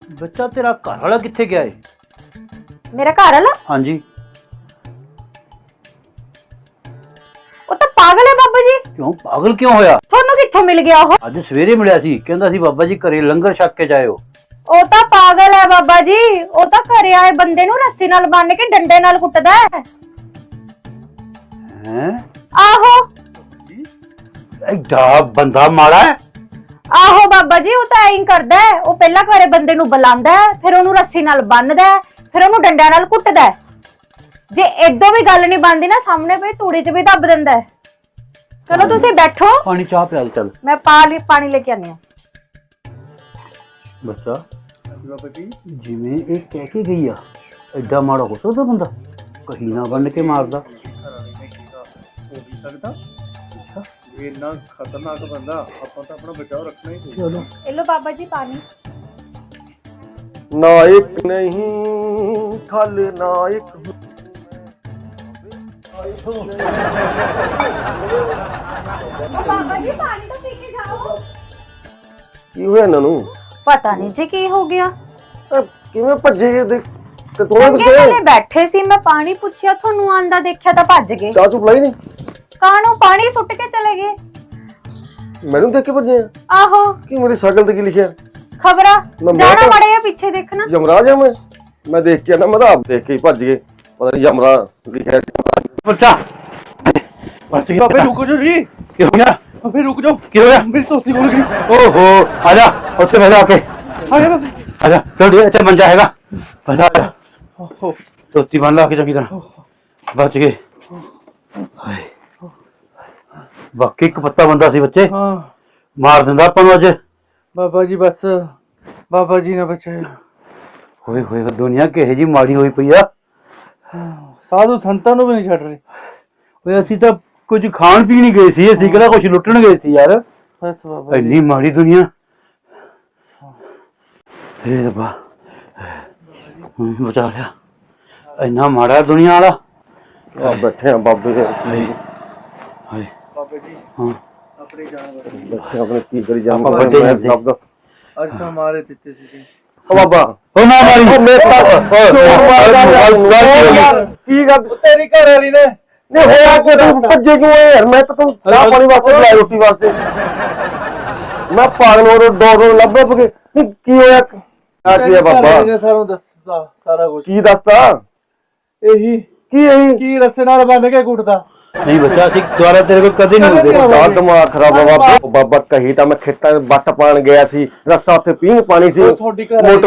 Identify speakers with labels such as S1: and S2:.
S1: बच्चा तेरा घर वाला कित्थे गया है?
S2: मेरा घर वाला?
S1: हाँ जी।
S2: वो तो पागल है बाबा जी।
S1: क्यों पागल क्यों होया?
S2: ਤੁਹਾਨੂੰ ਕਿੱਥੋਂ ਮਿਲ ਗਿਆ ਉਹ?
S1: ਅੱਜ ਸਵੇਰੇ ਮਿਲਿਆ ਸੀ, ਕਹਿੰਦਾ ਸੀ ਬਾਬਾ ਜੀ ਘਰੇ ਲੰਗਰ ਛਕ ਕੇ ਜਾਇਓ।
S2: ਉਹ ਤਾਂ ਪਾਗਲ ਹੈ ਬਾਬਾ ਜੀ। ਉਹ ਤਾਂ ਘਰੇ ਆਏ ਬੰਦੇ ਨੂੰ ਰੱਸੀ ਨਾਲ ਬੰਨ ਕੇ ਡੰਡੇ ਨਾਲ ਕੁੱਟਦਾ ਹੈ।
S1: हैं?
S2: ਆਹੋ
S1: एडा बंदा माड़ा है।
S2: ਆਹੋ ਬਾਬਾ ਜੀ, ਉਹ ਤਾਂ ਐਂ ਹੀ ਕਰਦਾ ਹੈ। ਉਹ ਪਹਿਲਾਂ ਘਰੇ ਬੰਦੇ ਨੂੰ ਬੁਲਾਉਂਦਾ ਹੈ, ਫਿਰ ਉਹਨੂੰ ਰੱਸੀ ਨਾਲ ਬੰਨਦਾ ਹੈ, ਫਿਰ ਉਹਨੂੰ ਡੰਡਿਆਂ ਨਾਲ ਕੁੱਟਦਾ ਹੈ। ਜੇ ਏਦੋਂ ਵੀ ਗੱਲ ਨਹੀਂ ਬਣਦੀ ਨਾ, ਸਾਹਮਣੇ ਪਈ ਤੂੜੀ 'ਚ ਵੀ ਦੱਬ ਦਿੰਦਾ ਹੈ। ਚਲੋ ਤੁਸੀਂ ਬੈਠੋ,
S1: पानी चाह पिया दे, चल।
S2: ਮੈਂ ਪਾਣੀ ਲੈ ਕੇ ਆਨੀ ਹਾਂ।
S1: बच्चा जिवें ਇਹ ਕਹਿ ਕੇ ਗਈ ਆ, ਐਡਾ ਮਾੜਾ ਹੋ ਸਕਦਾ ਬੰਦਾ? ਕਹੀਂ ਨਾ ਬੰਨ ਕੇ ਮਾਰਦਾ।
S3: इन्ना खतरनाक बंदा, ਆਪਾਂ ਤਾਂ ਆਪਣਾ ਬਚਾਓ ਰੱਖਣਾ ਹੀ ਚਾਹੀਦਾ।
S1: चलो
S2: ਇਹ ਲੋ ਬਾਬਾ ਜੀ ਪਾਣੀ।
S3: नायक नहीं खलनायक
S2: ਬਾਬਾ ਜੀ ਪਾਣੀ ਤਾਂ ਪੀ ਕੇ ਜਾਓ।
S3: ਕੀ ਹੋਇਆ ਇਹਨਾਂ ਨੂੰ?
S2: ਪਤਾ ਨਹੀਂ ਜੀ ਕੀ ਹੋ ਗਿਆ।
S3: ਕਿਵੇਂ ਭੱਜੇ ਦੇਖ ਤੇ ਤੋੜੇ
S2: ਚੰਗੇ ਭਲੇ ਬੈਠੇ ਸੀ, ਮੈਂ ਪਾਣੀ ਪੁੱਛਿਆ, ਤੁਹਾਨੂੰ ਆਂਦਾ ਦੇਖਿਆ ਤਾਂ ਭੱਜ ਗਏ।
S3: ਚਾਹ ਚੁੱਪ ਲਈ ਨਹੀਂ?
S2: ਕਾਹਨੂੰ ਪਾਣੀ ਸੁੱਟ ਕੇ ਚਲੇ ਗਏ।
S3: ਮੈਨੂੰ ਦੇਖ ਕੇ ਭੱਜੇ ਆ?
S2: ਆਹੋ
S3: ਕੀ ਮੇਰੀ ਸਾਈਕਲ ਤੇ ਕੀ ਲਿਖਿਆ?
S2: ਖਬਰਾਂ
S3: ਮੈਂ
S2: ਜਾਣਾ
S3: ਤਾਂ-
S2: ਮੜਿਆ ਪਿੱਛੇ ਦੇਖਣਾ।
S3: ਯਮਰਾਜ ਆ ਮੈਂ ਦੇਖ ਕੇ ਨਾ, ਮੈਂ ਤਾਂ ਆਪ ਦੇਖ ਕੇ ਹੀ ਭੱਜ ਗਏ। ਪਤਾ ਨਹੀਂ ਯਮਰਾ ਲਿਖਿਆ।
S1: बच्चा बस गया।
S3: ਬਾਬੇ ਰੁਕੋ ਜੀ।
S1: ਕੀ ਹੋ ਗਿਆ?
S3: ਬਾਬੇ ਰੁਕ ਜਾਓ,
S1: ਕੀ ਹੋਇਆ?
S3: ਮੇਰੀ ਧੋਤੀ ਖੁੱਲ ਗਈ।
S1: ओहो आजा, ਉੱਥੇ ਬਹਿ ਜਾ ਕੇ।
S3: ਆ ਗਿਆ ਬਾਬੇ।
S1: आजा चल, ਇੱਥੇ ਮੰਜਾ ਹੈਗਾ, ਬਹਿ ਜਾ।
S3: ਓਹੋ
S1: ਧੋਤੀ ਬੰਨ ਲਾ ਕੇ ਚੰਗੀ ਤਰ੍ਹਾਂ, ਬਚ ਗਏ। ਹਾਏ, ਬਾਕੀ ਇੱਕ ਪੱਤਾ ਬੰਦਾ ਸੀ ਬੱਚੇ,
S3: ਹਾਂ
S1: ਮਾਰ ਦਿੰਦਾ ਆਪਾਂ ਨੂੰ ਅੱਜ।
S3: ਬਾਬਾ ਜੀ ਬਸ, ਬਾਬਾ ਜੀ ਨੇ ਬਚਾਇਆ।
S1: ਹੋਏ ਹੋਏ ਦੁਨੀਆ ਕਿਹੋ ਜੀ ਮਾੜੀ ਹੋਈ ਪਈ ਆ।
S3: ਸਾਧੂ ਸੰਤਾਂ ਨੂੰ ਵੀ ਨਹੀਂ ਛੱਡ ਰਹੇ।
S1: ਓਏ ਅਸੀਂ ਤਾਂ ਕੁਝ ਖਾਣ ਪੀਣ ਹੀ ਗਏ ਸੀ, ਅਸੀਂ ਕਿਹੜਾ ਕੁਝ ਲੁੱਟਣ ਗਏ ਸੀ ਯਾਰ।
S3: ਬਸ ਬਾਬਾ ਜੀ।
S1: ਇੰਨੀ ਮਾੜੀ ਦੁਨੀਆ। ਹੇ ਰੱਬਾ, ਬਚਾ ਲਿਆ। ਇੰਨਾ ਮਾੜਾ ਦੁਨੀਆ ਵਾਲਾ।
S3: ਆ ਬੈਠੇ ਆ ਬਾਬੇ ਦੇ।
S1: ਹਾਏ ਹਾਏ।
S3: ਬਾਬਾ ਜੀ
S1: ਹਾਂ
S3: ਆਪਣੀ ਜਾਨ ਬੈਠੇ ਆਪਣੇ ਕੀ ਕਰੀ ਜਾਵਾਂ।
S1: ਆਪਾਂ ਵੱਡੇ ਜਾਂਦੇ।
S3: ਅੱਜ ਤਾਂ ਮਾਰੇ ਦਿੱਤੇ ਸੀ।
S1: ਓ ਬਾਬਾ, ਓ ਨਾ ਮਾਰੀ।
S3: ਕੀ ਗੱਲ ਤੇਰੀ ਘਰ ਵਾਲੀ ਨੇ? ਨਹੀਂ ਹੋਇਆ ਕਿ ਤੂੰ ਭੱਜੇ ਕਿਉਂ ਯਾਰ? ਮੈਂ ਤਾਂ ਤੂੰ ਚਾਹ ਪਾਣੀ ਵਾਸਤੇ ਬੁਲਾਇਆ, ਰੋਟੀ ਵਾਸਤੇ। ਮੈਂ ਪਾਗਲ ਹੋ ਰਿਹਾ, ਡੋਰ ਲੱਭ ਕੇ। ਕੀ ਹੋਇਆ? ਆ ਕੀ ਹੈ ਬਾਬਾ?
S4: ਸਾਨੂੰ ਦੱਸਦਾ ਸਾਰਾ ਕੁਝ।
S3: ਕੀ ਦੱਸਦਾ?
S4: ਇਹੀ
S3: ਕੀ ਇਹੀ?
S4: ਕੀ ਰਸੇ ਨਾਲ ਬੰਨ ਕੇ ਕੁੱਟਦਾ।
S1: ਨਹੀਂ ਬੱਚਾ, ਅਸੀਂ ਦੁਆਰਾ ਤੇਰੇ ਕੋਲ ਕਦੇ ਨਹੀਂ ਹੁੰਦੇ।
S3: ਦਾ ਦਿਮਾਗ ਖਰਾਬ ਆ ਬਾਬਾ। ਬਾਬਾ ਕਹੀ ਤਾਂ ਮੈਂ ਖੇਤਾਂ ਵਿੱਚ ਵੱਟ ਪਾਣ ਗਿਆ ਸੀ, ਰੱਸਾ ਉੱਥੇ ਪੀਂਘ ਪਾਣੀ ਸੀ।
S4: ਤੁਹਾਡੀ ਘਰ ਵਾਲੀ